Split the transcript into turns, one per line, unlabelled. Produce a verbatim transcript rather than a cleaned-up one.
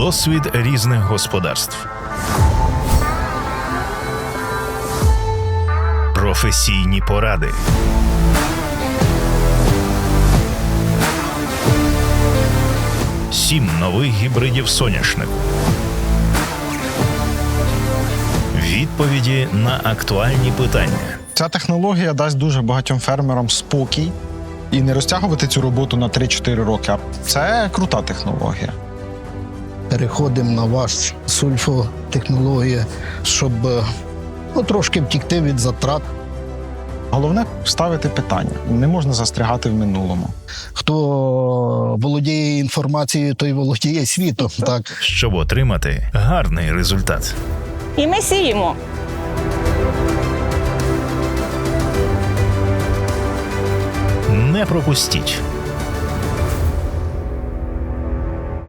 Досвід різних господарств. Професійні поради. Сім нових гібридів соняшнику. Відповіді на актуальні питання.
Ця технологія дасть дуже багатьом фермерам спокій і не розтягувати цю роботу на три-чотири роки. Це крута технологія.
Переходимо на ваш сульфотехнологію, щоб ну, трошки втікти від затрат.
Головне – ставити питання. Не можна застрягати в минулому.
Хто володіє інформацією, той володіє світом. Так.
Щоб отримати гарний результат.
І ми сіємо.
Не пропустіть